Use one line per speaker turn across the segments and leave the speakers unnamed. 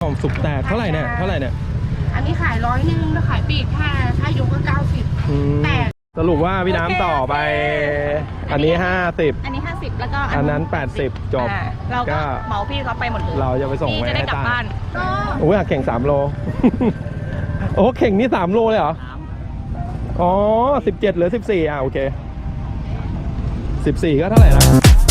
สุกแตกเท่าไหร่เนี่ย
อันนี้ขาย100แล้วขายปีกถ้ายกก็90แต่
สรุปว่าพี่น้ำต่อไปอันนี้50
อันนี้50แล้วก็
อันนั้น80จบ
เราก็เหมาพี่เขาไปหมดเลย
เราจะไปส่งไว้ให้
กลับบ้าน
โอ้ยเข่ง3โล โอ้เข่งนี่3โลเลยเหรออ๋อ17เหลือ14โอเค14ก็เท่าไหร่นะ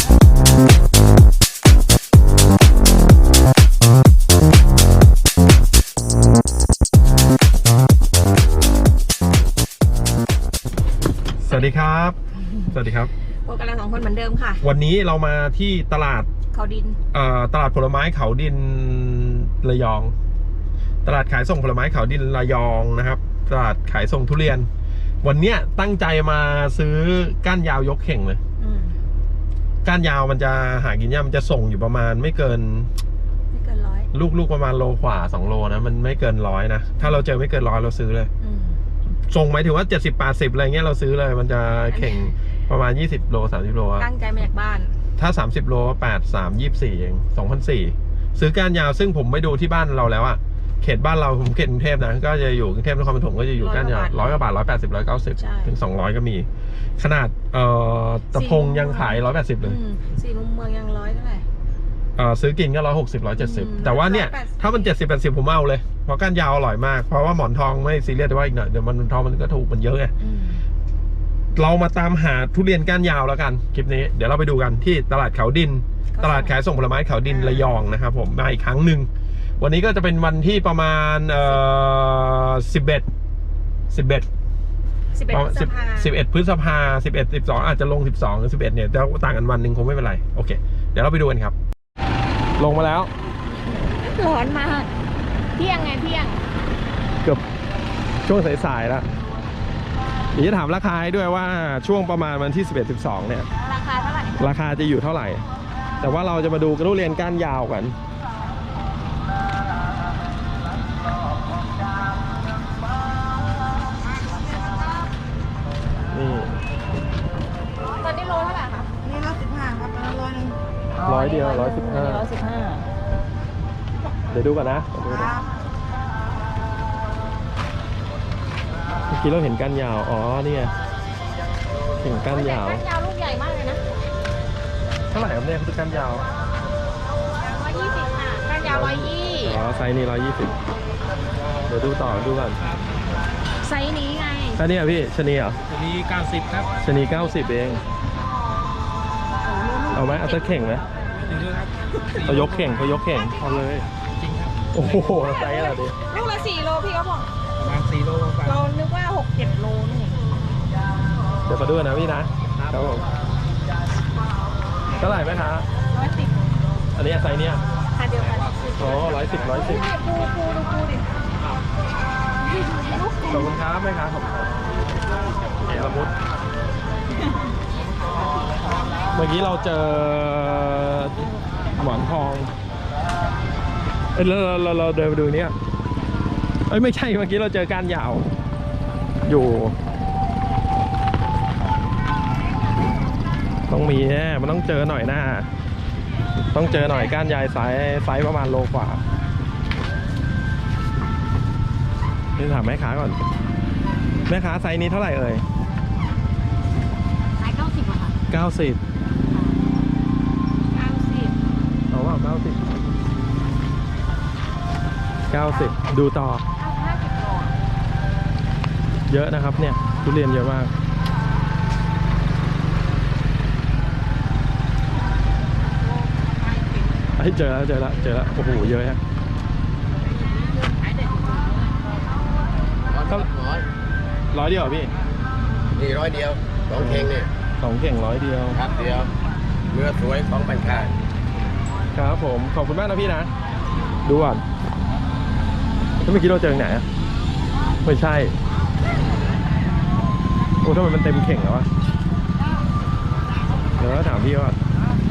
สวัสดีครับ
พวกกันเรา2คนเหมือนเดิมค่ะ
วันนี้เรามาที่ตลาด
เขาดิน
ตลาดผลไม้เขาดินระยองตลาดขายส่งผลไม้เขาดินระยองนะครับตลาดขายส่งทุเรียนวันเนี้ยตั้งใจมาซื้อก้านยาวยกเข่งเลยก้านยาวมันจะหากินยากมันจะส่งอยู่ประมาณไม่เกิน100ลูกประมาณโลกว่า2โลนะมันไม่เกิน100นะถ้าเราเจอไม่เกิน100เราซื้อเลยส่งหมายถึงว่า70-80อะไรเงี้ยเราซื้อเลยมันจะเข่งประมาณ20โล30โล
ตั้งใจมาจากบ้าน
ถ้า30โล8-3-24เอง2,400ซื้อก้านยาวซึ่งผมไปดูที่บ้านเราแล้วอะเขตบ้านเราผมเขตกรุงเทพนะก็จะอยู่กรุงเทพนครปฐมก็จะอยู่ก้านยาว100 กว่าบาท180 190ถึง200ก็มีขนาดตะพงยังขาย180เลย
4 มุมเมืองยัง100เท่าไหร่
ซื้อกินก็160 170แต่ว่าเนี่ยถ้ามัน70-80ผมเอาเลยเพราะก้านยาวอร่อยมากเพราะว่าหมอนทองไม่ซีเรียสแต่ว่าอีกหน่อยเดี๋ยวมันทองมันก็ถูกมันเยอะไงเรามาตามหาทุเรียนก้านยาวแล้วกันคลิปนี้เดี๋ยวเราไปดูกันที่ตลาดเขาดินตลาดขายส่งผลไม้เขาดินระยองนะครับผมมาอีกครั้งหนึ่งวันนี้ก็จะเป็นวันที่ประมาณ11 พฤษภา11 12อาจจะลง12หรือ11เนี่ยแต่ต่างกันวันหนึ่งคงไม่เป็นไรโอเคเดี๋ยวเราไปดูกันครับลงมาแล้ว
ร้อนมากเที่ยง
เกือบช่วงสายๆแล้วเดี๋ยวจะถามราคาด้วยว่าช่วงประมาณวันที่11-12เนี่ย
ราคาเท่าไหร่
ราคาจะอยู่เท่าไหร่แต่ว่าเราจะมาดูทุเรียนก้านยาวกันนี่
ตอนนี้โลเท่าไหร่คะ
นี่115ครับ
100เดียว115เดี๋ยวดูก่อนนะเมื่อกี้เราเห็นก้านยาวอ๋อนี่ไงเห็นก้านยาว
ลูกใหญ่มากเลยนะ
เท่าไหร่ครับเนี่ยคือก้านยาว
120ค่ะก้านยาว120
อ๋อไซส์นี้120เดี๋ยวดูต่อดูก่อน
ไซส์นี้ไง
อันนี้อ่ะพี่ชะนีเหรอ
ชะนี90ครับ
ชะนี90เองเอาไหมเอาตะเข่งไหมเขายกเข่งเอาเลย
จริงครับ
โอ้โหไซส์อะไรดิ
ลูกละ4 โลพี่เขาบอก
ประมาณ4 โล
เรานึกว่า6-7 โลนี่
เดี๋ยวขอดูนะพี่นะครับผมเท่าไหร่ไหมคะ
110
อันนี้ไซส์เนี้ย
ค่ะเดียวกัน
อ๋อ110
ปูดิ
ขอบคุณครับไหมครับผมเอละมุดเมื่อกี้เราเจอหมอนทองเราเดินไปดูเนี้ยไม่ใช่เมื่อกี้เราเจอก้านยาวอยู่ต้องมีแน่มันต้องเจอหน่อยหน้าต้องเจอหน่อยก้านยาวไซส์ประมาณโลกว่านี่ถามแม่ค้าก่อนแม่ค้าไซส์นี้เท่าไหร่เอ่ย
ไซส์90ค่ะ
90เอาว่า90ดูต่อเยอะนะครับเนี่ยทุเรียนเยอะมากเจอแล้วโอ้โหเยอะฮะ100เดียวพี่
นี่100เดียว2 เข่งเนี่ย
2 เข่ง100เดียว
ครับเดียวเนื้อสวยของบรรคา
ครับผมขอบคุณมากนะพี่นะดูก่อนเมื่อกี้เราเจอไหนไม่ใช่โอ้ทำไมมันเต็มเข่งแล้ววะเดี๋ยวถามพี่ว่า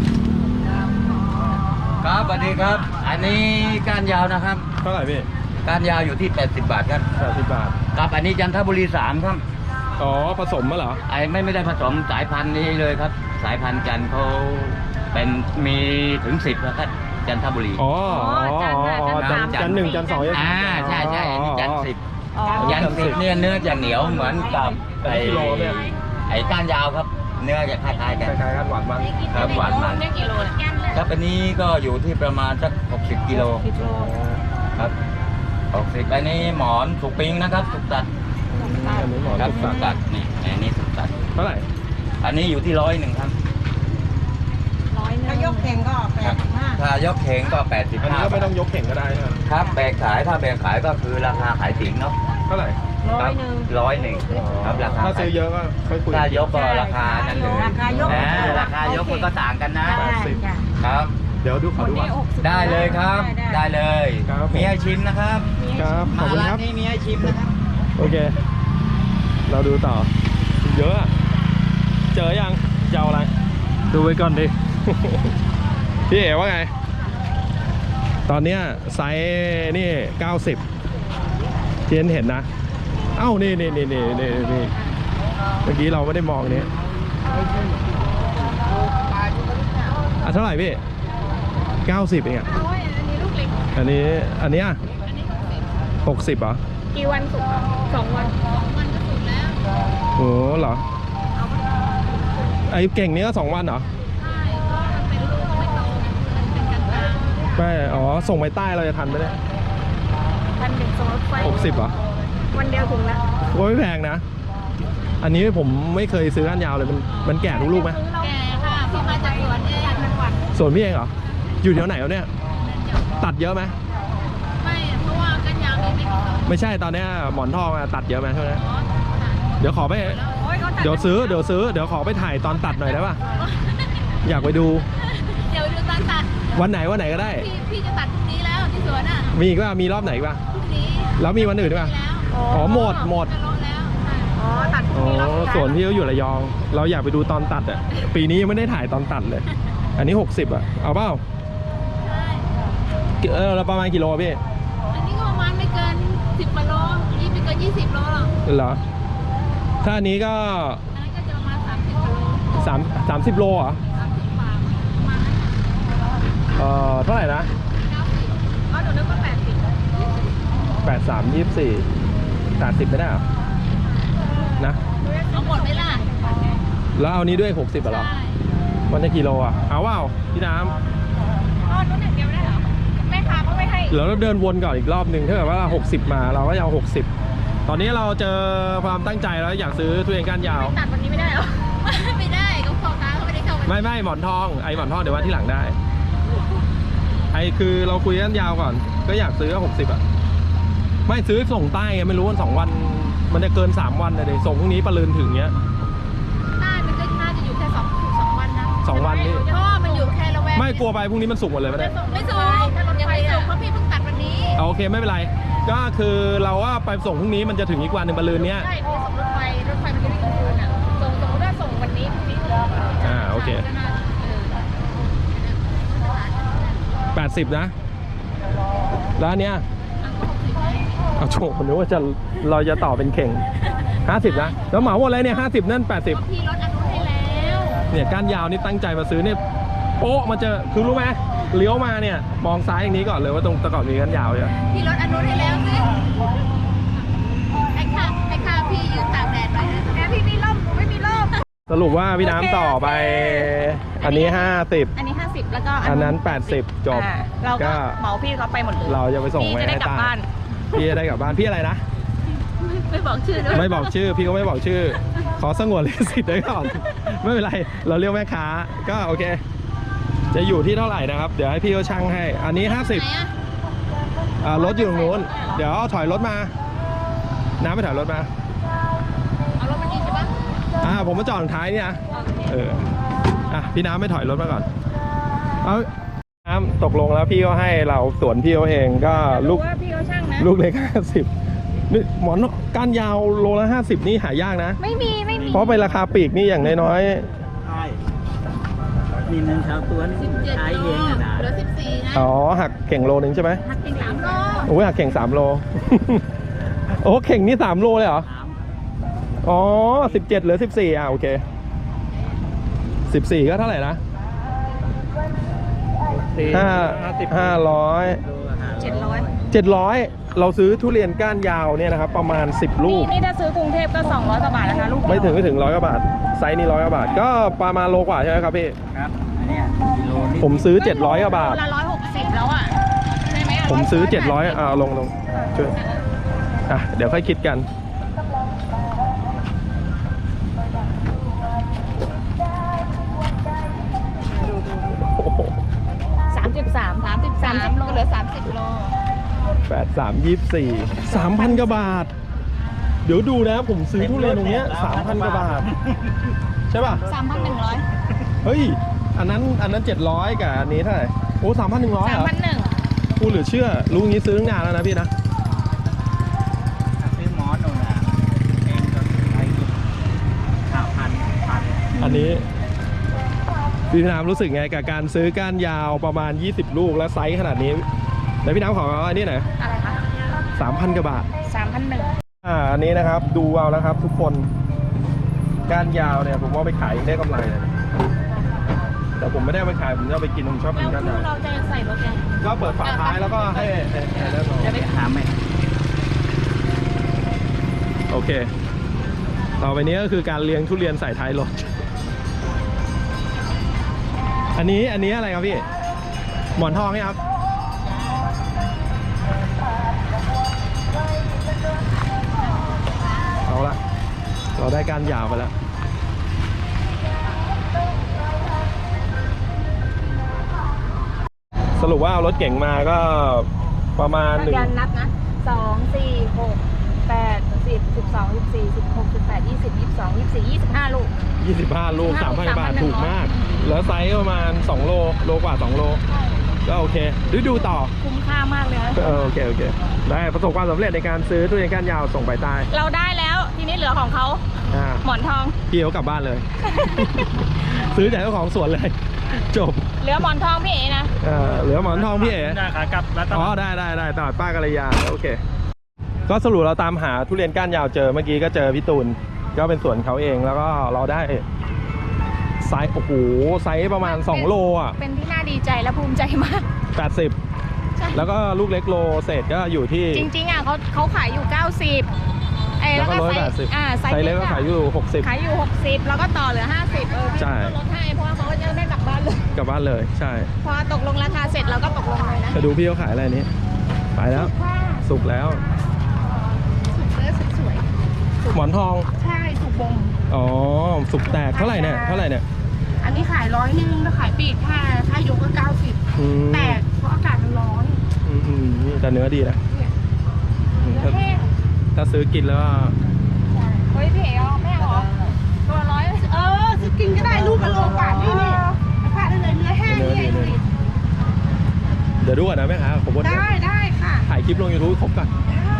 ครับสวัสดีครับอันนี้ก้านยาวนะครับ
เท่าไหร่พี่
ก้านยาวอยู่ที่80 บาทครับ
80 บาท
ครับอันนี้จันทบุรี3ครับ
อ๋อผสมมาเหรอ
ไม่ได้ผสมสายพันธุ์นี้เลยครับสายพันธุ์จันเขาเป็นมีถึง10นะครับจันทบุรี
อ๋อ
จันทร์
จันทร์หนึ่งจันทร์สองจันทร์
ใช่ใช่อันนี้จันทร์สิบ
อ๋อ
ยันสิบเนี่ยเนื้อจะเหนียวเหมือนกับไอ้
กิโลเนี่ย
ไอ้ก้านยาวครับ เนื้อจะคล้ายๆ
ค
กัน
ล้ายๆกันหวานมัน
ครับหวานมัน
ได้กี่โลเนี่ย
ครับอันนี้ก็อยู่ที่ประมาณสัก60 กิโลครับ60อันนี้หมอนสุกปิ้งนะครับสุกตัด
อันนี้หมอ
ครับ
สุ
สุ
ก
กตัดนี่อันนี้สุกตัด
เท่าไหร่
อันนี้อยู่ที่101ครับ
ถ้ายกแข่งก็
ครับถ้ายกเข่งก็85
อันนี้ก็ไม่ต้องยกเข่งก็ได้ใช่ไหม
ครับแบกขายถ้าแบกขายก็คือราคาขายติ๋งเนาะ
เท่าไหร่
ครับ101ครับราคา
ถ้าซื้อเยอะก็ค่อยคุย
ถ้ายกก็ราคานั้นเลย
ราคายก
ราคายกมันก็ต่างกันนะ
80
ครับ
เดี๋ยวดูขอดูก่อน
ได้เลยครับ ได้เลย
ครับผม
มีให้ชิมนะครับ
ครับขอบ
มา
คุณ
ร้า
คน รับ
นี้มีให้ชิมนะครับ
โอเค เราดูต่อ เยอะอะเจอยังจะเอาอะไร ดูไว้ก่อนดิ พี่เอ๋ว่าไง ตอนเนี้ยไซส์นี่ 90เทียนเห็นนะ เอ้า นี่เมื่อกี้เราไม่ได้มองนี้เท่าไหร่พี่ 90เองอ่ะ
เอาไว้อันนี้ลูกเล็ก
อันนี้อ่ะ
อันนี้
60
60
เหรอ
กี่วันสุก2 วัน
2 วันก็สุกแล้ว
โอ้เหรอ ไอ้เก่งนี้ก็2 วันเหรอ
ใช่ก็มันเป็นลูกไม่โตไงมันเป็นกลาง
ไม่อ๋อ ส่งไปใต้เราจะทันไหมเนี่ย
1,100ส่งรถไฟ
60เหรอ
วันเดียวถึงแล้ว
โอ้ยไม่แพงนะ อันนี้ผมไม่เคยซื้อก้านยาวเลย มันแก่ทุกลูกไหม
ๆแกค่ะพี่มาจากสวนเองจังหวัด
ส่วนพี่เองเหรอ อยู่แถวไหนแล้วเนี่ย ตัดเยอะไหม
ไม่เพราะว่ากันยาวมีไม่กี่ต้น
ไม่ใช่ตอนเนี้ยหมอนทองอะตัดเยอะไหมช่วงนี้
อ๋อ
เดี๋ยวขอไป
โอ้ยเขาตัด
เดี๋ยวซื้อ เดี๋ยวขอไปถ่ายตอนตัดหน่อยได้ป่ะ อยากไปดู
เดี๋ยวดูตอนตัด
วันไหนก็ได้
พี่จะตัดพรุ่งนี้แล้วที่สวนอ่ะ
มีอีกป่ะมีรอบไหนอีกป่ะ
พรุ่งนี้
แล้วมีวันอื่นด้วยป่ะ
แล้ว
อ๋อหมด
จะลดแล้วใช่
อ๋อตัดพรุ่
อ๋
งนี้รอบ
อ
สุดท้าย
ส่วนพี่เขาอยู่ระยอง เราอยากไปดูตอนตัดอ่ะ ปีนี้ยังไม่ได้ถ่ายตอนตัดเลย อันนี้ 60อ่ะ เอาเปล่า
ใช่
เราประมาณกี่โลพี่
อันนี้ก็ประมาณไม่เกิน10กว่าโลนี่ไม่เกิน20 โลหรอก
เหรอ ถ้าอันนี้ก็
อันนั้นก็จะประมาณ30กว่าโล
30 โลเหรอ
30กว่าประมาณนั้นน่ะ
เท่าไหร่นะ
90
อ๋อหนูนึกว่า80
83 24 80ไม่ได้เหรอ นะ
เอาหมดไหมล่ะ
แล้วเอานี้ด้วย 60อ่ะเหรอ
ใช่
มันจะกี่โลอ่ะ เอาว่าพี่น้
อ๋อนู้นอย่างเดียวไม่ได้เหรอแม่ค้าก็ไม่ให้
ำเดี๋ยวเราเดินวนก่อนอีกรอบหนึ่งถ้าเกิดว่า60มาเราก็จะเอา60 ตอนนี้เราเจอความตั้งใจแล้วอยากซื้อทุเรียนก้านยาว
ตัดวันนี้ไม่ได้เหรอ
ไม่ได้ก็พ่อค้าเขาไม่ได้เข้าไป
ไม่หมอนทองไอหมอนทองเดี๋ยวว่าที่หลังได้ ไอคือเราคุยกันยาวก่อน ก็อยากซื้อ60อ่ะ ไม่ซื้อส่งใต้ไงไม่รู้ว่า2 วันมันจะเกิน3 วันเลยส่งพรุ่งนี้ปะลืนถึงเงี้ย
ใต้มันก็น่าจะอยู่แค่2 วันนะ
2 วันนี่
เพราะว่ามันอยู่แค่ละแวก
ไม่กลัวไปพรุ่งนี้มันสุกหมดเลยไม่ได้
ไม่สูงยังไม่สูงเพราะพี่เพิ่งตัดวันนี้
โอเคไม่เป็นไร ก็คือเราว่าไปส่งพรุ่งนี้มันจะถึงอีกวันหนึ่งปะลืนเนี้ย
ใช่พี่ส่งรถไฟมันจะวิ่งกลางคืนอ่ะส่งสมมติว่าส่งวันนี้พรุ่งนี้
โอเค 80นะ แล้วอันเนี้ยเอาโฉบผมนึกว่าเราจะต่อเป็นเข่ง50นะแล้วเหมาหมดเลยเนี่ย50นั่น80
พี่ลดอนุให้แล้ว
เนี่ยก้านยาวนี่ตั้งใจมาซื้อเนี่ยโป๊ะมาเจอคือรู้ไหมเลี้ยวมาเนี่ยมองซ้ายอย่างนี้ก่อนเลยว่าตรงตะก่อนมีก้านยาวเนี่ย
พี่ลดอนุให้แล้วสิไอ้ข้าพี่ยืนตากแดดไปนะ
แม่พี่มีร่มไม่มีร่ม
สรุปว่าพี่น้ำต่อไป อันนี้
อันนี้50แล้วก็
50อันนั้น80จบ
เราก็เหมาพี่เขาไปหมดเลย
เราจะไปส่ง
พี่
ไว้
จะได้
ให้
กลับ
ตา
บ้าน
พี่จะได้กลับบ้านพี่อะไรนะ
ไม่บอกชื่อด้วย
ไม่บอกชื่อพี่ก็ไม่บอกชื่อ ขอสงวนลิขสิทธิ์ไว้ก่อน ไม่เป็นไร เราเรียกแม่ค้าก็โอเค จะอยู่ที่เท่าไหร่นะครับ เดี๋ยวให้พี่เขาชั่งให้ อันนี้
ไหนอะ
50รถอยู่ตรงนู้นเดี๋ยวถอยรถมา น้ำไปถอยรถมา
เอารถมันดีใช่ปะ
ผมมาจอดตรงท้ายเนี่ยพี่น้ำไม่ถอยรถมาก่อนเอาน้ำตกลงแล้วพี่ก็ให้เราสวนพี่เขาเองก็ลูก
ว่าพี่เขาช่างนะ
ลูกเล็ก50นี่หมอนก้านยาวโลละ50นี่หายากนะ
ไม่มี
เพราะเป็นราคาปลีกนี่อย่างน้อย
ใช่นี่มันชาวสวน
17
ใช้
โล
เองนะ
เหลือ14นะ
หักเข่งโลนึงใช่ไหม
หักเป็น3 โล
โอ้ยหักเข่ง3 โล โอ้เข่งนี่3 โลเลยเหรอ อ๋อ17เหลือ14โอเค14ก็เท่าไหร่นะ 700เราซื้อทุเรียนก้านยาวเนี่ยนะครับประมาณ10ลูก
นี่ถ้าซื้อกรุงเทพก็200กว่าบาทนะคะลูก
ไม่ถึง100กว่าบาทไซส์นี้100กว่าบาทก็ประมาณโลกว่าใช่ไหมครับพี่
ครับอันเนี้ยกิโลนี่
ผมซื้อ700กว่าบาท
ละ160แล้วอ่ะใช่ไหมะ
ผมซื้อ700ลงช่วยเดี๋ยวค่อยคิดกันโอ้โห
33โล
เหลือ30 โล
3,000 กว่าบาท เดี๋ยวดูนะผมซื้อทุเรียนตรงเนี้ย 3,000 กว่าบาท ใช่ป่ะ
3,100
เฮ้ย อันนั้น700กับอันนี้เท่าไหร่โอ้ 3,100เหรอ
3,100
กูเหลือเชื่อรู้งี้ซื้อตั้งนานแล้วนะพี่นะ
ซื้อหมอนหนูนะเองก็ไป5,000
อันนี้พี่น้ำรู้สึกไงกับการซื้อก้านยาวประมาณ20ลูกแล้วไซส์ขนาดนี้แล้วพี่น้ำขออันนี้หน่อย
อะไรคะ
3,000 กว่าบาท
3,100
อันนี้นะครับดูเอาแล้วครับทุกคนก้านยาวเนี่ยผมว่าไปขายได้กำไรเลยแต่ผมไม่ได้เอาไปขายผมจะเอาไปกินผมชอบกินก้านยาว
เราจะใส่รถยัง
ก็เปิดฝาท้ายแล้วก็ให้ได้ลอง
จะไปถามไหม
โอเคต่อไปนี้ก็คือการเลี้ยงทุเรียนใส่ท้ายรถอันนี้อะไรครับพี่หมอนทองไหมครับเอาละเราได้ก้านยาวไปแล้วสรุปว่าเอารถเก่งมาก็ประมาณ1
ยันนับนะ2 4 6 8 10 12 14 16 18 20 22 24 25ลูก
25 ลูก 3,000 บาทถูกมากแล้วไซส์ประมาณ2โลกว่า2โลก็โอเคดูต่อ
คุ้มค่ามากเลยนะ
โอเคได้ประสบความสำเร็จในการซื้อทุเรียนก้านยาวส่งไปใต้
เราได้แล้วทีนี้เหลือของเขาหมอนทอง
พี่เขากลับบ้านเลย ซื้อจากเจ้าของสวนเลยจบ
เหลือหมอนทองพี่เอ๋นะ
เหลือหมอนทองพี่เอ๋
ได้ขากลับแล้ว
อ๋อได้ตลาดป้ากัลยาโอเคก็สรุปเราตามหาทุเรียนก้านยาวเจอเมื่อกี้ก็เจอพี่ตูนก็เป็นสวนเขาเองแล้วก็เราได้ไซส์โอ้โหไซส์ประมาณ2โลอ่ะ
เป็นที่น่าดีใจและภูมิใจมาก
80แล้วก็ลูกเล็กโลเศษก็อยู่ที่
จริงๆอ่ะเขาขายอยู่90
แล้วก็
ไซ
ไซส์เล็กก็ขายอยู่60
ขายอยู่60แล้วก็ต่อเหลือ50พี่ก็ลดให้เพราะว่าเขาจะได้กลับบ้านเลยใช่พอตกลงราคาเสร็จเราก็ตกลงเลยนะ
จะดูพี่เขาขายอะไรนี้ไปแล้วสุกแล้ว
สวย
หมอนทอง
ใช่สุกบง
อ๋อสุกแตกเท่าไหร่เนี่ย
อันนี้ขาย100แล้วขายปีกถ้ายกก็90แต่เพราะอากาศมันร้อน
นี่แต่เนื้อดีนะถ้าซื้อกินแล้ว
เฮ้ยพี่เอ๋ไม่เอาหรอตัว100ซื้อกินก็ได้ลูกละโลกว่านี่ราคาได้เลยเนื้อแห้งนี่
เดี๋ยวดูก่อนนะแม่ค้าผม
ได้ค่ะ
ถ่ายคลิปลง YouTube ครบก่อน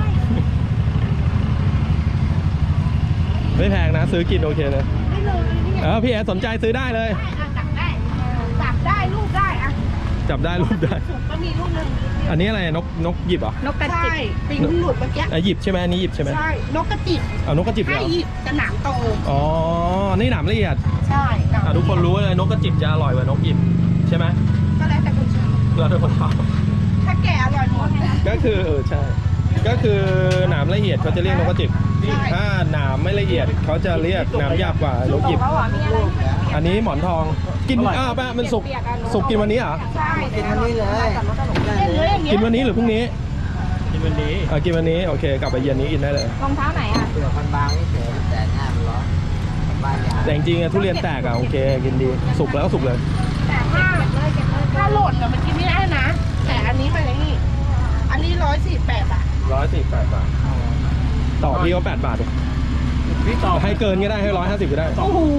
ไม่แพงนะซื้อกินโอเคเลยพี่เอ๋สนใจซื้อได้เลย
จับได้ลูกได้อะ
จับได้ลูกได้
ก็มีลูกนึง
อันนี้อะไรนกหยิบเหรอน
กกระจิบปิงหลุดเมื่อกี้
หยิบใช่ไหมอันนี้หยิบใช่ไหม
ใช่นกกระจิบ
นกกระจิบเหรอ
หยิบจะหนามโต
อ๋อนี่หนามละเอียด
ใช่
ทุกคนรู้เลยนกกระจิบจะอร่อยกว่านกหยิบใช่ไหม
ก็แล้วแต่คนชอบ
แล้วแต่คนชอบ
ถ้าแก่อร่อยหมด
ก็คือใช่ก็คือหนามละเอียดเขาจะเรียกนกกระจิบถ้าหนามไม่ละเอียดเขาจะเรียกหนามหยาบกว่านกหยิบอันนี้หมอนทองกินป้ามันสุกกินวันนี้เหรอ
ใช่กินวันนี้เลย
กินวันนี้หรือพรุ่งนี้กินวันนี้โอเคกลับไปเย็นนี้กินได้เลย
รองเท้าไหนอ่ะ
เปลือกบางๆนี่เฉยแต่หน้ามันร้อน
แต่จริงๆทุเรียนแตกโอเคกินดีสุกแล้วก็สุกเลย
แต่ถ้าโหลดมันกินไม่ได้นะแต่อันนี้เป็นอย่างนี้อันนี้148 บาท
148 บาทต่อพี่ก็8 บาทพี่ต่อให้เกินก็ได้ให้150ก็ได้
โอ้โห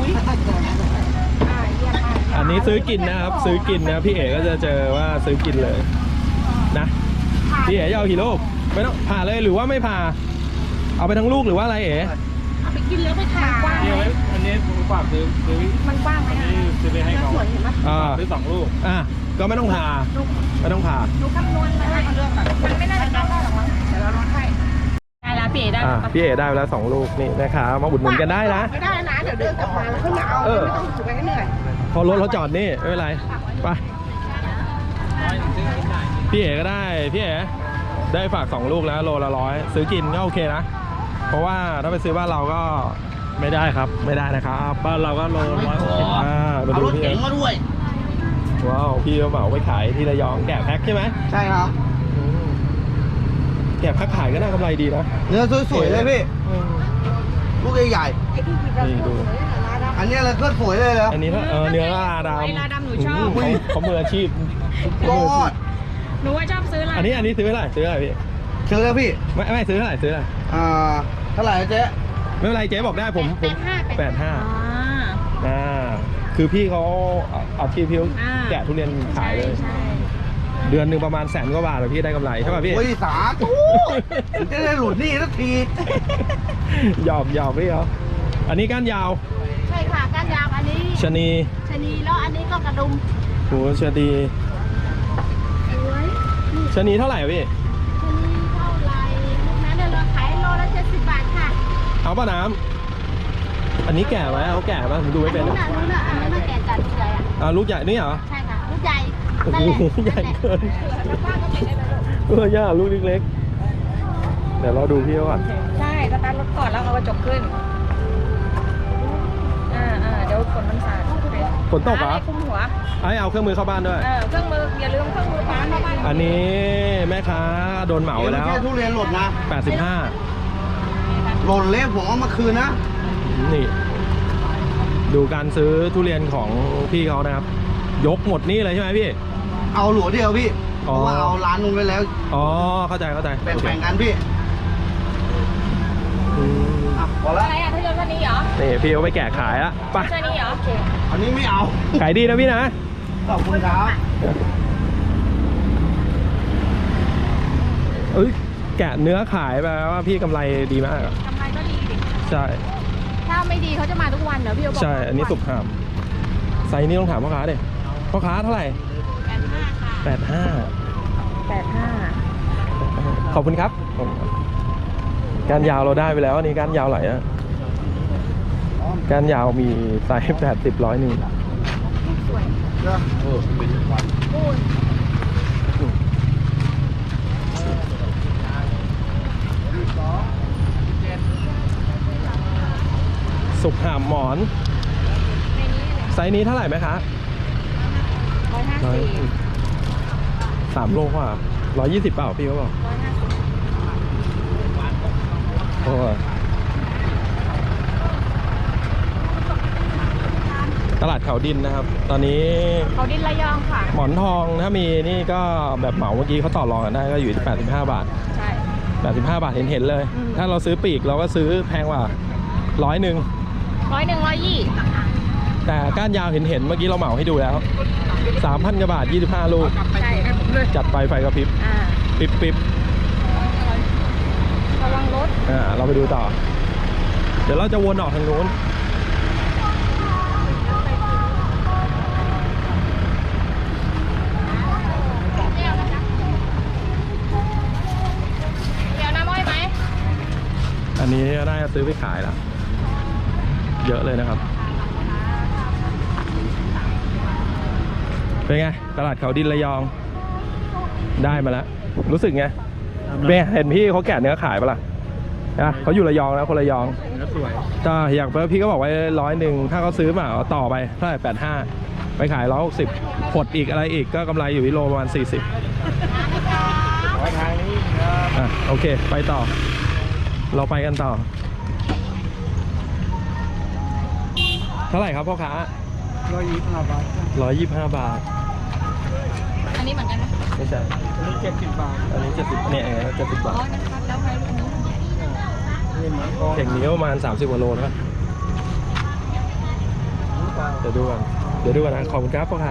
อันนี้ซื้อกินนะครับซื้อกินนะพี่เอ๋ก็จะเจอว่าซื้อกินเลยนะพี่เอ๋จะเอากี่ลูกไม่ต้องผ่าเลยหรือว่าไม่ผ่าเอาไปทั้งลูกหรือว่าอะไรเอ๋
เอาไปกินแล้วไปทานกว้างไหม
อันนี้กว้างซื้อ
มันกว้างไหม
ซื้อไปให้เขาซื้อ2 ลูก
ก็ไม่ต้องผ่าดู
คำนวณมาเลือกมันไม่น่าจะได้หรอกมั้งเดี๋ยวเราลดให้ได้แล้วพี่เอ๋ได้
พี่เอ๋ได้ไปแล้ว2 ลูกนี่นะครับมาอุดหนุนกันได้นะ
ไม่ได้นะเดี๋ยวเดินกลับมาแล้วค่อยมาเอาไม่ต้องถือไปให้เหนื่อย
พอรถเขาจอดนี่ไม่เป็นไรไปพี่เอ๋ก็ได้พี่เอ๋ได้ฝาก2ลูกแล้วโลละ100ซื้อกินก็โอเคนะเพราะว่าถ้าไปซื้อบ้านเราก็ไม่ได้ครับไม่ได้นะครับบ้านเราก็โล160มา
เอา
ดู
รถ
พี่
เก๋
เอ๋
งมาด้วย
ว้าวพี่เขาเหมาไปขายที่ระยองแกะแพ็คใช่ไหม
ใช่ครับ
แกะแพ็คขายก็น่ากำไรดีนะ
เนื้อสวยๆเลยพี่ ลูกใหญ่
นี่ดู
ๆอันนี้เลยก็สวยเลยแล้ว
อันนี้เนื้อลาดำ
ไอ้ลาดำหนูชอบ
เขามืออาชีพ
ยอด
หนูว่าชอบซื้อลา
อันนี้ซื้อเท่าไหร่ซื้อเท่าไหร่พี่
เชิญเลยพี่
ไม่ซื้อเท่าไหร่ซื้อเท่าไหร่
เท่าไหร่นะเจ๊
ไม่เป็นไรเจ๊บอกได้ผม85คือพี่เขาอาชีพพี่แกะทุเรียนขายเลย
ใช่
เดือนหนึ่งประมาณ100,000 กว่าบาทเลยพี่ได้กำไรใช่ป่ะพี่
โอ้ยสาธุจะได้หลุดหนี่สักที
หยอกพี่เขาอันนี้ก้านยาว
ใช่ค่ะก้านยาวอันนี้
ชะนี
ชะนีแล้วอันนี้ก็กระดุม
โหชะนี
สวย
ชะนีเท่าไหร่พี่
ชะนีเท่าไหร่ลูกนั้นเนี่ยเราขายโลละ70 บาทค่ะ
เอาป่ะน้ำอันนี้แก่ไหมเขาแก่ไหมผมดูไม่เป็น
อันนู้นน่ะแกะจัดลูกใหญ่อะ
ลูกใหญ่นี่เหรอ
ใช่ค่ะลูกใหญ่
โอ้
นั่นแหละ
โหใหญ่เกินย่าลูกเล็กๆเดี๋ยวเราดูพี่เขาก่อน
ใช่สตาร์ทรถก่อนแล้วเอากระจกขึ้นเดี๋ยวฝนมันสาด
ฝนตกเหรอ
คุมหัว
เอาเครื่องมือเข้าบ้านด้วย
เครื่องมืออย่าลืมเครื่องมือป้าเข้าบ้าน
อันนี้แม่ค้าโดนเหมาไปแล้ว
แค่ทุเรียนหล่นนะ
85
หล่นเละผมเอามาคืนนะ
นี่ ดูการซื้อทุเรียนของพี่เขานะครับ ยกหมดนี่เลยใช่ไหมพี่
เอาหลัวเดียวพี่เพ
อ๋อ
ราะว่าเอาร้านนู้นไว้แล้ว
อ๋อเข้าใจ
แบ่งๆกันพี่
อืม
พอละ
อะไรอ่ะถ้ายนต์วันนี้เหรอ
นี่พี่เขาไปแกะขายละไป
ใช่นี่เหรอ
อันนี้ไม่เอา
ขายดีนะพี่นะ
ขอบคุณครับ
เอ้ยแกะเนื้อขายไปว่าพี่กำไรดีมากอะ
กำไรก็ดีดิ
ใช่
ถ้าไม่ดีเขาจะมาทุกวันเหรอพี่โอบอก
ใช่อันนี้สุกหามไซส์นี้ต้องถามพ่อค้าดิพ่อค้าเท่าไหร่
85ค่ะ
85ขอบคุณครับการยาวเราได้ไปแล้วอันนี้การยาวไหลอะการยาวมีไซส์80 100นึงสุกหามหมอนไซส์นี้เท่าไหร่ไหมคะ 3 โลกว่า120เปล่าพี่เขาบอกโอ้ยตลาดเขาดินนะครับ ตอนนี้
เขาดินระยองค่ะ
หมอนทองถ้ามีนี่ก็แบบเหมาเมื่อกี้เขาต่อรองกันได้ก็อยู่ที่85 บาท
ใช่
85 บาทเห็นเลย ถ้าเราซื้อปีกเราก็ซื้อแพงกว่า100
100
แต่ก้านยาวเห็นเมื่อกี้เราเหมาให้ดูแล้ว 3,000 กว่าบาท 25 ลูก
ใช่
จัดไปไฟกระพริบปิ๊บ
ระวังรถ
เราไปดูต่อ เดี๋ยวเราจะวนออกทางนู้น
เดี๋ยวน้ำอ้อยไหม
อันนี้น่าจะซื้อไปขายแล้วเยอะเลยนะครับเป็นไงตลาดเขาดินระยองได้มาแล้วรู้สึกไงเบ้เห็นพี่เขาแกะเนื้อขายปะล่ะนะเขาอยู่ระยองนะคนระยองสวยถ้าอยากพี่ก็บอกไว้100ถ้าเขาซื้อมาเอาต่อไปเท่าไหร่85ไปขาย160หดอีกอะไรอีกก็กำไรอยู่ที่โลประมาณ40ทางนี้โอเคไปต่อเราไปกันต่อเท่าไหร่ครับพ่อค้า125 บาท
อันนี้เหมือนกันไหม
ไม่ใช่อันนี้70 บาทอันนี้70เนี่ย70 บาท
มันคัดแล้วไงลูกนี้
เข่งนี้ประมาณ30 กว่าโลนะเดี๋ยวดูกันนะขอบคุณครับพ่อค้า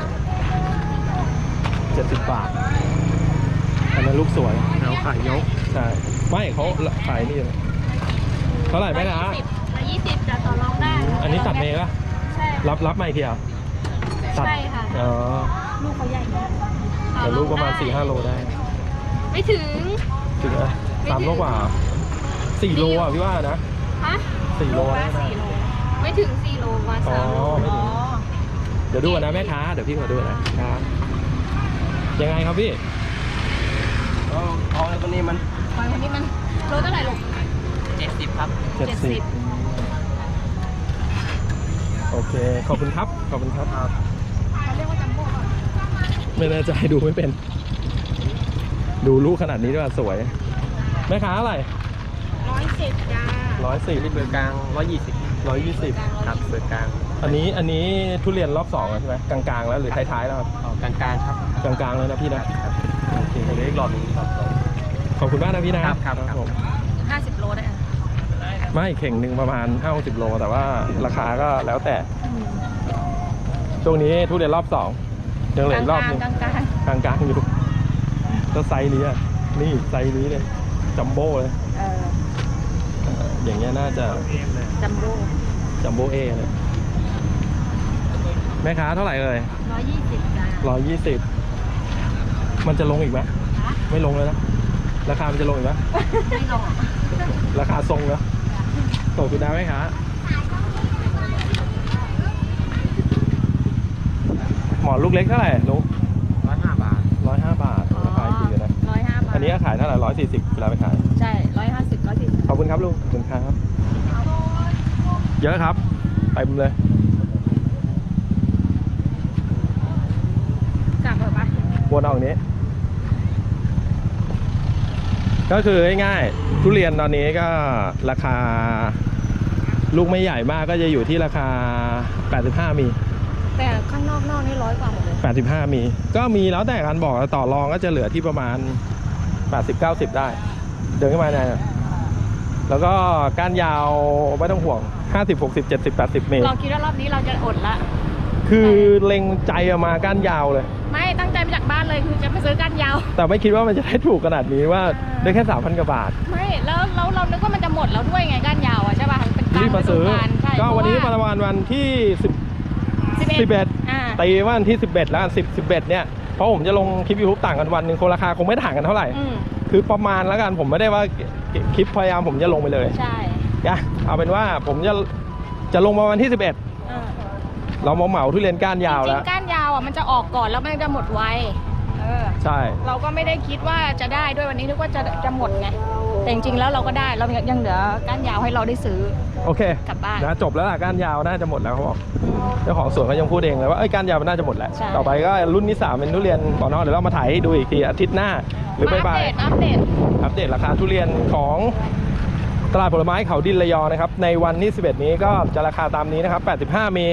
70 บาทอันนั้นลูกสวยแล้วขายยกใช่ไม่เขาขายนี่เลยเท่าไหร่ไหมนะ
120จะต่อรองได้
อันนี้ตัดเมย์ป่ะ
ใช่
รับใหม่ทีอ่ะตัด
ใช่ค่ะ
อ๋อ
ลูกเขาใหญ่มาก
แต่ลูกประมาณ 4-5 โลได้
ไม่ถึง
ถึงนะ3 โลกว่า4 โลอ่ะพี่ว่านะ
ฮะ
4 โลได้นะ
ไม่ถึง4 โลมา
อ๋อ
3 โล
ไม่ถึง เดี๋ยวดูกันนะแม่ค้าเดี๋ยวพี่มาดูนะครับยังไงครับพี่
เอาวันนี้มัน
หอยวันนี้มันโลเท่าไหร่ลูก
70 ครับ
70โอเคขอบคุณครับขอบคุณครับ
เขาเรียกว่าจัมโบ้ก่อน
ไม่แน่ใจดูไม่เป็น ดูลูกขนาดนี้ด้วยสวยแม่ค้าอะไร
110จ้า
140นี่เบอร์กลาง120ครับเบอร์กลางอันนี้ทุเรียนรอบ2แล้วใช่ไหมกลางๆแล้วหรือท้ายๆแล้วครับ
กลางๆครับ
กลางๆแล้วนะพี่นะโอเค
เหลืออีกหลอดหนึงครับ
ขอบคุณมากนะพี่นะครับ ผม
50 โลได้อะ
ไม่เข่งหนึ่งประมาณ 50 โลแต่ว่าราคาก็แล้วแต่ช่วงนี้ทุเรียนรอบ2ยังเหลืออีกรอบหนึง
กลาง
กลางๆอยู่ก็ไซส์นี้อะนี่ไซส์นี้เลยจัมโบ้เลย
ๆ
อย่างเงี้ยน่าจะ
จัมโบ้
จัมโบ้เอเลยแม่ค้าเท่าไหร่เอ่ย
120จ้า
120มันจะลงอีกไหมไม่ลงเลยนะราคามันจะลงอีกไหม
ไม่ลง
ราคาทรงแล้วตกคุณดาวไหมคะหมอนลูกเล็กเท่าไหร่ลูก
105 บาท
105 บาทราคาดีเลยนะ
105 บาท
อันนี้ขายเท่าไหร่140เวลาไปขาย
ใช่150 140
ขอบคุณครับลุงขอบคุณครับเยอะครับไปบุมเลย
กลับเถอะปะ
วนออกนี้ ก็คือง่ายๆทุเรียนตอนนี้ก็ราคาลูกไม่ใหญ่มากก็จะอยู่ที่ราคา85มี
แต่ข้างนอกนี่100 กว่าหมดเลย
85มีก็มีแล้วแต่การบอกต่อรองก็จะเหลือที่ประมาณ80-90ได้เดินขึ้นมาเนี่ยแล้วก็ก้านยาวไม่ต้องห่วง50-60-70-80 เมตร
เราคิดว่ารอบนี้เราจะอดละ
คือเล็งใจเอามาก้านยาวเลย
ไม่ตั้งใจมาจากบ้านเลยคือจะไปซื้อก้านยาว
แต่ไม่คิดว่ามันจะได้ถูกขนาดนี้ว่าได้แค่ 3,000 กว่าบาท
ไม่แล้วเรานึกว่ามันจะหมดแล้วด้วยไงก้านยาวอ่ะใช่ป่ะเป็นกลาง
รีบมาซื้อ
ฤดูกาลใช่
ก็วันนี้
เพ
ประ
ราะ
มาณวันที่
อ่า
ตีว่าวันที่ 11 แล้ว11เนี่ยเพราะผมจะลงคลิปยูทูบต่างกันวันหนึ่งคนราคาคงไม่ต่างกันเท่าไหร่
อืม
คือประมาณแล้วกันผมไม่ได้ว่าคลิปพยายามผมจะลงไปเลย
ใช่
นะเอาเป็นว่าผมจะลงมาวันที่ 11
เออ
เราเหมาทุเรียนก้านยาว
จริ
แล้ว
งๆก้านยาวอ่ะมันจะออกก่อนแล้วมันจะหมดไว
ใช่
เราก็ไม่ได้คิดว่าจะได้ด้วยวันนี้นึกว่าจะหมดไงแต่จริงๆแล้วเราก็ได้เรายังเหลือก้านยาวให้เราได้ซื้อ
โอเค
กลับบ้าน
นะจบแล้วล่ะก้านยาวน่าจะหมดแล้วเขาบอกเจ้าของสวนเขายังพูดเองเลยว่าก้านยาวมันน่าจะหมดแล้ว
ใช่
ต่อไปก็รุ่นที่ 3เป็นทุเรียนบ่อนอกเดี๋ยวเรามาถ่ายให้ดูอีกทีอาทิตย์หน้าหรือ
มา
บ่าย
อัปเดต
ๆอัปเดตราคาทุเรียนของตลาดผลไม้เขาดินระยองนะครับในวันที่11นี้ก็จะราคาตามนี้นะครับ85มี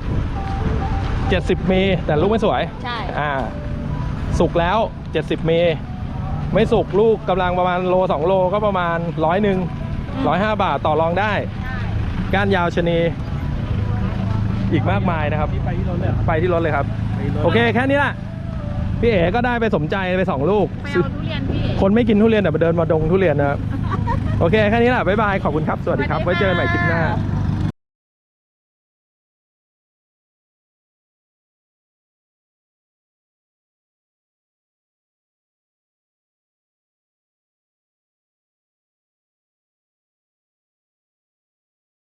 70มีแต่ลูกไม่สวย
ใช่
สุกแล้ว70เมไม่สุกลูกกำลังประมาณโล2โลก็ประมาณ105 บาทต่อรองได้ก้านยาวชะนีอีกมากมายนะครับไปที่รถเลยครับโอเคแค่นี้แหละพี่เอ๋ก็ได้ไปสมใจไป2ลูก
ไปเอาทุเรียนพี่
คนไม่กินทุเรียนแต่ไปเดินมาดงทุเรียนนะครับโอเคแค่นี้แหละบ๊ายบายขอบคุณครับสวัสดีครับไว้เจอกันใหม่คลิปหน้า
ส